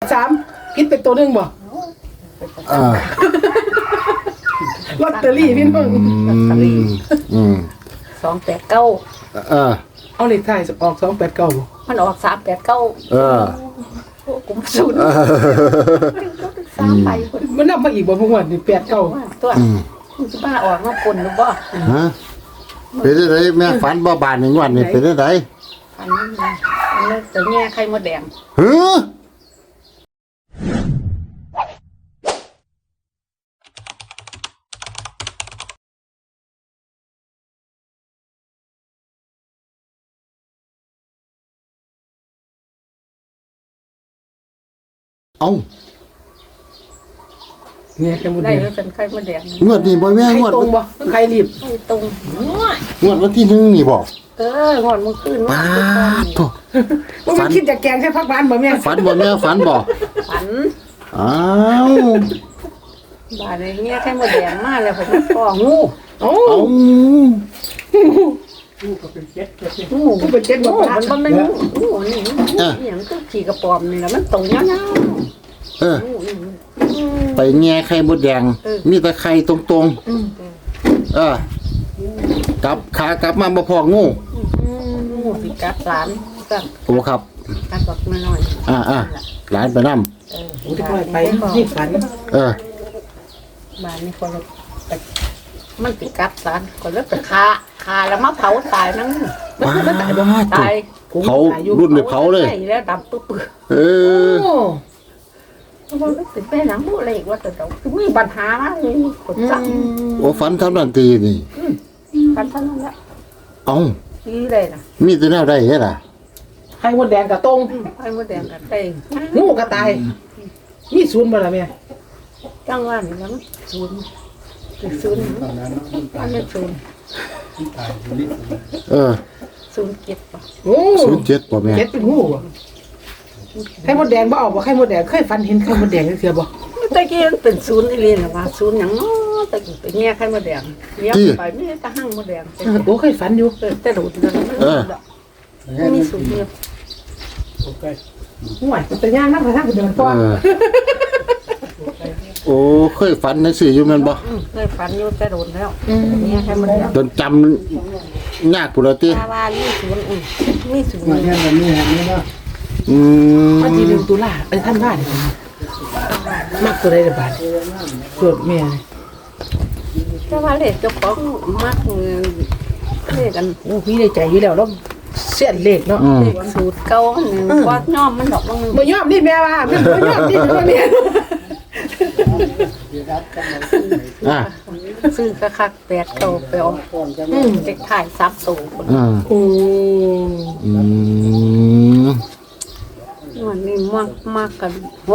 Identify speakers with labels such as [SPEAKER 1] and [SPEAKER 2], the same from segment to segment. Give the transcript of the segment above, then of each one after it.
[SPEAKER 1] 3คิดเป็นตัวนึงบ่ลอตเตอรี่พี่น้อง
[SPEAKER 2] 289
[SPEAKER 1] เอาเลขท้ายออก289บ่
[SPEAKER 2] มันออก389กูมาสูน3ใบคน
[SPEAKER 1] มันนำมาอีกบ่พวกนี่89
[SPEAKER 2] ตัวมันสิมาออกมาคนหรือบ่
[SPEAKER 3] ฮะเป็นได้แม่ฝันบ่บาน1วันนี่เป็นได้
[SPEAKER 2] อันนี้ตัวแง่ไข่มดแดง
[SPEAKER 3] เอ้า
[SPEAKER 1] เนี่ยไข่มดแดง
[SPEAKER 2] ได้เป็นไข่มดแดง
[SPEAKER 3] งวดนี้บ่แม่งวด
[SPEAKER 1] ตรงบ่ไข่รีบ
[SPEAKER 2] ตรง
[SPEAKER 3] งวดวันที่1นี่บ่
[SPEAKER 2] งอนมึงขึ้น
[SPEAKER 3] มาโต
[SPEAKER 1] บ่มันคิดจะแกงแค่พักบ้านบ่แม่
[SPEAKER 3] ฝันบ่แม่ฝันบ่
[SPEAKER 2] ฝัน
[SPEAKER 3] อ้าว
[SPEAKER 2] บาดนี้เนี่ยไข่มดแดงมาแล้วผมก็งู
[SPEAKER 1] โอ้
[SPEAKER 2] งูก็เป็นเจ็ดบ่มันบ่แม่นงูนี่หยังคือขี้กระป๋อมนี่ล่ะมันโตยาว
[SPEAKER 3] ไปแง่ไข่มดแดงมีแต่ไข่ตรงกลับขากลับมาบ่พองู
[SPEAKER 2] สิกัดหลานกัน
[SPEAKER 3] โอ้ครับ
[SPEAKER 2] กัดบอกน้อย
[SPEAKER 3] หลานไปนำ
[SPEAKER 1] ไปนี่ฝัน
[SPEAKER 2] บ้านนี้คนมันสิกัดหลานก็เลยไปคาแล้วมาเผาตายนั่ง
[SPEAKER 1] มันตายบ่
[SPEAKER 2] ตาย
[SPEAKER 3] เขารุ่นเผาเลย
[SPEAKER 2] แล้วดำปึ๊บมันเป็นไปหลังบ่เลยว่าแต่คือมีปัญหาเลยคนสั่ง
[SPEAKER 3] โอ้ฝันทำนันตีนี่
[SPEAKER 2] ฝันเท่านั้นแหละ
[SPEAKER 3] เอ้า
[SPEAKER 2] ดีเลยนะ
[SPEAKER 3] มีแต่แนวใดเฮ็ดล่ะ
[SPEAKER 1] ไข่มดแดงกับตรง
[SPEAKER 2] ไข่มดแดงกับเต้
[SPEAKER 1] งูก็ตายมีศูนย์บ่ล่ะแม่
[SPEAKER 2] จังว่านี่แล้วศูนย์อันนี้ศูนย์07ป่ะ
[SPEAKER 1] โอ้
[SPEAKER 3] 07ป่ะแม่
[SPEAKER 1] 7เป็นงูบ่ไข่มดแดงบ่เอาบ่ไข่มดแดงเคยฝันเห็นไข่มดแดงจังซี่บ่
[SPEAKER 2] ตะกี้มันเป็นศูนย์อีหลีน่ะว่าศูนย์หยังเนาะตะกี้เป็นแง่ไข่มดแดงเลี้ยงไปมีแต่หั่งมดแดง
[SPEAKER 1] โอ้เคยฝันอยู่
[SPEAKER 2] แต่ดูดแล้วมีศูนย์เดียว
[SPEAKER 1] ห่วยแต่ย่างนำไปทางเดินต่อ
[SPEAKER 3] โอ้เคยฝันจังซี่อยู่แม่นบ่
[SPEAKER 2] เคยฝันอยู่แต่โดนแล้วแง่ไข่มดแดง
[SPEAKER 3] จนจำยากพุ่นล่ะติ
[SPEAKER 2] ว่ามีศูนย์มีศูนย์
[SPEAKER 1] เนี่ยแบบนี้ฮะนี่เนาะวันที่1ตุลาเป็นท่านบ้านมักตัวใดล่ะบาดเกิดแม่
[SPEAKER 2] แต่ว่าเลขเจ้าของมักเลขกัน
[SPEAKER 1] โอ้พี่ได้ใจอยู่แล้วเสียนเลขเนาะ
[SPEAKER 2] เลขสูตรเก่านึงว่าย่อมมันดอก
[SPEAKER 1] บ่ย่อมนี่แม่ว่าบ่ย่อมนี่เนี่ย
[SPEAKER 2] ซื้อคัก8เก่าไปเอาเด็กถ่าย3ตัววันนี้มากกัน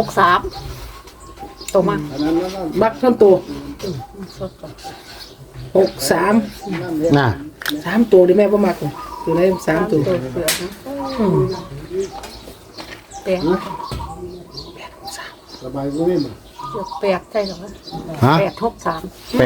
[SPEAKER 2] 63ตัว
[SPEAKER 1] มักทั้งตัว63
[SPEAKER 3] น่ะ
[SPEAKER 1] 3ตัวดิแม่บ่มักตัวไหน3ตัว
[SPEAKER 2] แปด
[SPEAKER 1] สบายบ่แม่น
[SPEAKER 2] แปดใช่หรอ
[SPEAKER 3] ฮะ
[SPEAKER 2] 863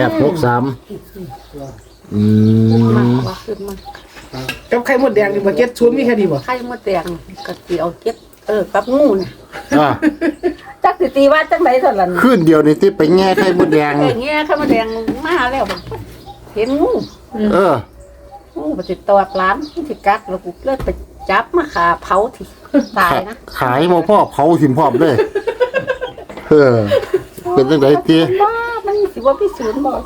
[SPEAKER 2] มากว่าขึ้นมา
[SPEAKER 1] กับไข่มดแดงนี่บ่70มีแค่นี้บ่
[SPEAKER 2] ไข่มดแดงก็สิเอากับงูน่ะจักสิตีว่าจังได๋ซั่นล่ะ
[SPEAKER 3] คืนเดียวนี่ติไปแง่ไข่มดแดง
[SPEAKER 2] แง่ไข่มดแดงมาแล้วเห็นงูงูบ่ติดตอดร้านสิกัดแล้วกูเลิกไปจับมาขาเผาที่ตายนะ
[SPEAKER 3] ขายบ่พอเผาทิ่มพร้อมเลยเป็นจังได๋ติ
[SPEAKER 2] มันสิว่าพี่ศูนย์บ่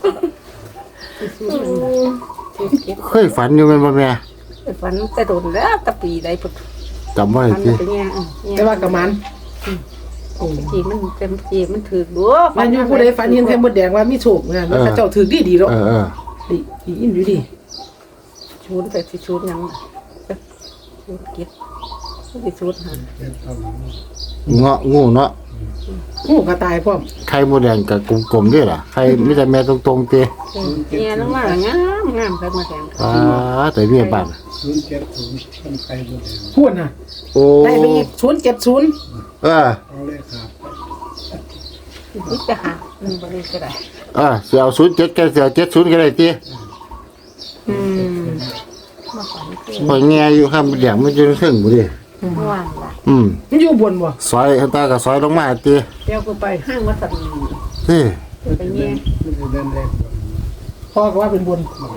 [SPEAKER 3] เคยฝันอยู่แม่นบ่แม่
[SPEAKER 2] ฝันแต่โดนแล้วตะปีใดพุ่น
[SPEAKER 3] จำไว้ติ
[SPEAKER 1] แต่ว่ากะมัน
[SPEAKER 2] จีมันเต็มจีมันถือดู
[SPEAKER 1] มันอยู่ผู้ใดฝันเห็นไข่มดแดงว่ามีโชคนะมันเจ้าถือดีๆเนาะดีอินอยู่ดี
[SPEAKER 2] ชูนแต่สิชูนยังชูนกิดสิชูนหัน
[SPEAKER 3] เงาะงูเนาะ
[SPEAKER 1] งูก็ตายพร้อม
[SPEAKER 3] ไข่มดแดงกับกลมๆด้วยล่ะไข่มีแต่แม่ตรงๆติ
[SPEAKER 2] แง่ลงมางามไข่มดแดง
[SPEAKER 3] แต่เมียบ้าน
[SPEAKER 1] ไข่มดแดงพูดน่ะ
[SPEAKER 3] โอ้
[SPEAKER 1] ได้ไปอีก070
[SPEAKER 2] เอาเลยครับนี่จะหาบ่ได้ก็ได้
[SPEAKER 3] สิเอา07ก็สิเอา70ก็ได้ติ
[SPEAKER 2] มาฝัน
[SPEAKER 3] พอแง่อยู่ครับแดงมันจะถึงบ่ดิ
[SPEAKER 2] ว่างละ
[SPEAKER 1] มันอยู่บนบ่
[SPEAKER 3] ซอยข้างใต้ก็ซอยลงมาติ
[SPEAKER 2] เดี๋ยวกูไปห้างวัดสัน
[SPEAKER 3] เฮ้
[SPEAKER 2] ไปเงี้ย
[SPEAKER 1] พ่อก็ว่าเป็นบน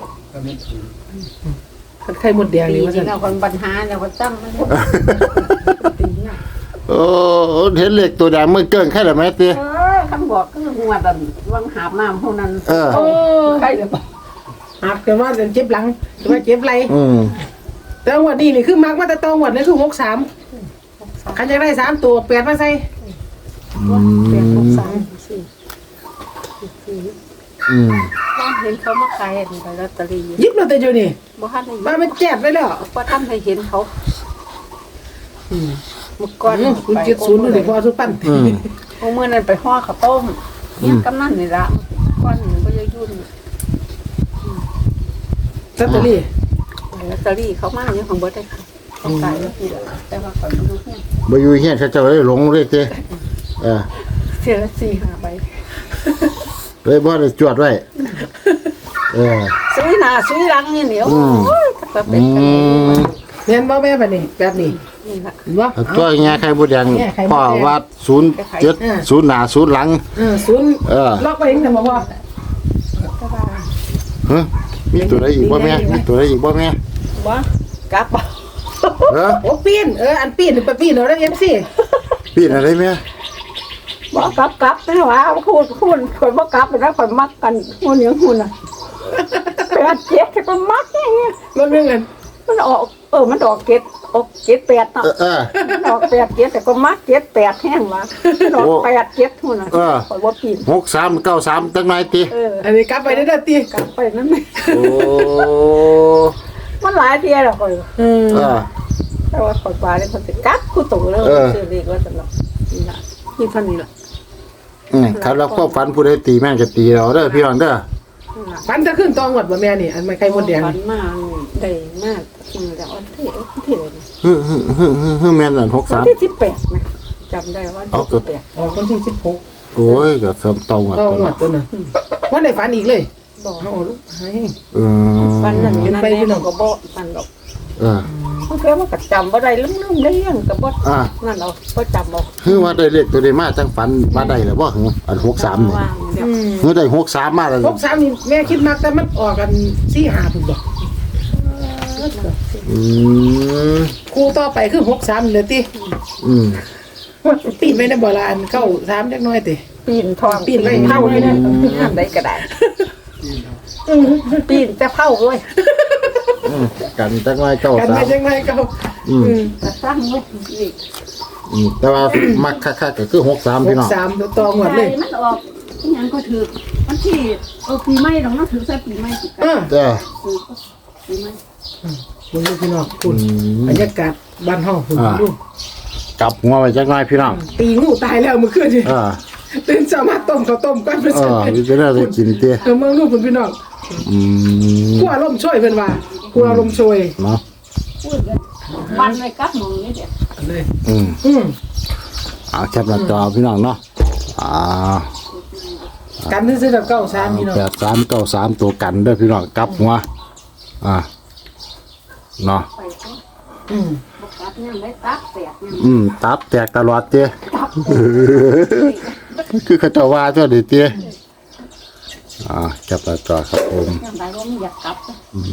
[SPEAKER 1] ไข่มดแดง
[SPEAKER 2] ปี
[SPEAKER 1] นี่ว่า
[SPEAKER 2] นี้
[SPEAKER 1] ซั่น
[SPEAKER 2] เราคนปัญหาเราก็ตั้งมันตีเนี่ย
[SPEAKER 3] โอ้เห็นเหล็กตัวแดงมือเกิ้งแค่ไหนไหมติ
[SPEAKER 2] คำบอกคือหัวแบบวังหาบน้ำพวกนั้น
[SPEAKER 1] โอ้
[SPEAKER 2] ใครจะบอก
[SPEAKER 1] หักแต่ว่าเจ็บหลังแต่ว่าเจ็บไหล่ แต่งวดนี้นี่คือมักมาแต่ตองวดนี่คือ63คันอยากได้3ตัว8มาใส่
[SPEAKER 2] เปลี่ยนหกสามสี่บ้านเห็นเขามาขายใบลอตเตอรี่
[SPEAKER 1] หยิบลอตเตอรี่อยู่นี่
[SPEAKER 2] บ้านใน
[SPEAKER 1] มามันแจกไปแล้ว
[SPEAKER 2] ว่าท่านให้เห็นเขาเมื่อก่อน
[SPEAKER 1] คุณ70นี่พอสุปัน
[SPEAKER 2] เมื่อนั้นไปห่อข้าวต้มเนี่ยกำนันนี่ละก้อนหนึ่งก็จะยุ่น
[SPEAKER 1] ลอตเตอรี่
[SPEAKER 2] ลอตเตอรี่เขามาเนี่ยของเบิร์ดได้ค่ะเขาขายแล้วทีเดียวแต่ว่าเขาดูเนี่ย
[SPEAKER 3] บ่อยู่เฮียนเขาเจ้าเลยหลงเลยติ
[SPEAKER 2] เสียละ4-5ใบ
[SPEAKER 3] เลยบ่ได้จวดไว้
[SPEAKER 2] ซื้อหน้าซื้อหลังนี่เหนียวถ้าเป็นกัน
[SPEAKER 1] แม่นบ่แม่บัดนี้แบบนี้
[SPEAKER 2] นี่ละ
[SPEAKER 1] บ่
[SPEAKER 3] ตัวแง่ไข่บ่แดงพ่อวัด07 หน้า0หลัง
[SPEAKER 1] 0ล็อกไว้เองแต่บ่พอ
[SPEAKER 2] ก็ว่า
[SPEAKER 3] ฮะมีตัวใดอีกบ่แม่มีตัวใดอีกบ่แม่
[SPEAKER 2] บ่กลับบ่
[SPEAKER 1] โอ้ปีนอันปีนไปปีนเอาได้ MC
[SPEAKER 3] ปีนอะไรแม่
[SPEAKER 2] บ่กลับนะว่าพูดคนบ่กลับแล้วคนมักกันหุ่นอย่างหุ่นน่ะ8 7ก็มักอย่างเงี้ย
[SPEAKER 1] มันเป็นเงิน
[SPEAKER 2] มันออกมันออก7ออก7 8เนาะออก8 7แต่ก็มัก7 8แห้งว่ะออก8 7หุ่นน่ะข่อยบ่ปีน
[SPEAKER 3] 63 93จังไหนติ
[SPEAKER 1] อันนี้กลับไปได้ตี
[SPEAKER 2] กลับไปนั่นแหละ
[SPEAKER 3] โอ้
[SPEAKER 2] มันหลายเที่ยแล้วข่อย แต่ว่าข่อยปลาเนี่ยคนสิกลับคู่ตู่แล้วซื้อเลขว่าตลอดนี่ล่ะนี่เท่านี้ล่ะ
[SPEAKER 3] ครับแล้วก็ฝันผู้ใดตีแม่งจะตีเราเด้อพี่น้องเด้อ
[SPEAKER 1] ฟันจะขึ้นตองหมดบ่แม่นี่อันไม่ไข่มดแดง
[SPEAKER 2] ฝันมาได้มากมือแล้วอันที่เลย
[SPEAKER 3] ฮึแม่นนั่น
[SPEAKER 2] วันที่18นะจำได้ว่าที่18
[SPEAKER 1] ออกวันที่16
[SPEAKER 3] โอ้ยก็สำตองอ่ะ
[SPEAKER 1] ตองหมดตัวน่ะวันได้ฝันอีกเลย
[SPEAKER 2] บอก
[SPEAKER 1] เอาลูกให้
[SPEAKER 2] ฝันนั่นนั่นแน่ก็บ่ฝันดอกมันแค่ว่าก็จำบ่ได้ลืมได้ยังก็บ่นั่นเอาบ่จำบ่
[SPEAKER 3] คือว่าได้เลขตัวใดมาจังฝันมาได้แล้วบ่อัน63นี่คือได้63มาแล้ว
[SPEAKER 1] 63นี่แม่คิดมากแต่มันออกกัน4-5พุ่นบ่ครูต่อไปคือ63เลยติปีนไว้ในบ่ลานเข้า3จักหน่อยติ
[SPEAKER 2] ปีนทองปีนไว้เผาเลยนะทำได้ก็ได้ปีนแต่เผาเลย
[SPEAKER 3] กันจังไว้เจ้า
[SPEAKER 1] กัน
[SPEAKER 3] สา
[SPEAKER 1] ไม่
[SPEAKER 3] ม
[SPEAKER 1] จังไงเก่า
[SPEAKER 2] แต่สร้างไว้อีก
[SPEAKER 3] แต่ว่ามักคักๆก็คือ63พี่น้อง
[SPEAKER 1] 63ตัวตองหมดเลย
[SPEAKER 2] มันออกยังก็ถือมันที่ปีใหม่ดอกเนาะถือใส่ปีใหม่สิ
[SPEAKER 3] จ้า
[SPEAKER 2] ปีใหม่
[SPEAKER 1] คุณลูกพี่น้องคุณบรรยากาศบ้านห้องคุณลูก
[SPEAKER 3] กลับหัวไว้จังไว้พี่น้อง
[SPEAKER 1] ตีงูตายแล้วเมื่อคืนนี่ตื่นเช้ามาต้มข้าวต้มก้อนไป
[SPEAKER 3] มีเป็นอะไรกินเตี้ย
[SPEAKER 1] เมืองลูกคุณพี่น้องกลัวลมช่วยเพิ่นว่ากลัวลมช่วย
[SPEAKER 3] เนาะ
[SPEAKER 2] พูดกันวันเลยกับหมูนี่เดี๋ยว
[SPEAKER 1] เลย
[SPEAKER 3] เอาแคปหน้าจอพี่น้องเนาะ
[SPEAKER 1] กันซื้อกับ93พี่น้อง
[SPEAKER 3] 8393ตัวกันเด้อพี่น้องกลับหัวเนาะ
[SPEAKER 2] ไปก็ตัดยังได้ตัดแตกยัง
[SPEAKER 3] ตับแตกตลอดเตี้ยคือเขาจะว่าเจ้าดิเตี้ยแคปหน้าจอครับผม
[SPEAKER 2] ยังได้ว่าไม่อยากกลับ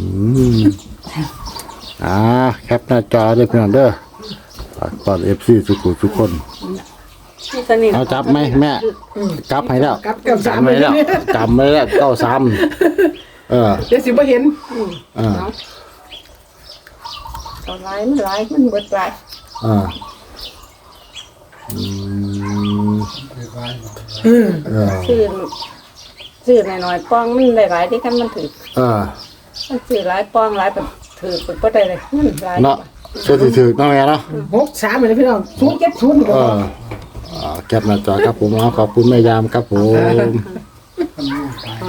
[SPEAKER 3] แคปหน้าจอเด้อพี่น้องเด้อฝากตอน FC ทุกคนเอาจับไหมแม่กลับให้แล้ว
[SPEAKER 1] กับกับ
[SPEAKER 3] จำไว้แล้วจำไว้แล้ว93
[SPEAKER 1] เดี๋ยวสิบ่เห็น
[SPEAKER 2] ตอนไล่มันไล่มันเบิดไล่ซื้อหน่อยๆปองมันหลายๆที่กันมันถือมันซื้อหลายปองหลายแบบถือเป็นก็ได้เลยมันหลาย
[SPEAKER 3] เนาะช่วยถือน้องแม่เนาะ
[SPEAKER 1] 63เลยพี่น้อง070ก็
[SPEAKER 3] แคปหน้าจอครับผมขอบคุณแม่ยามครับผม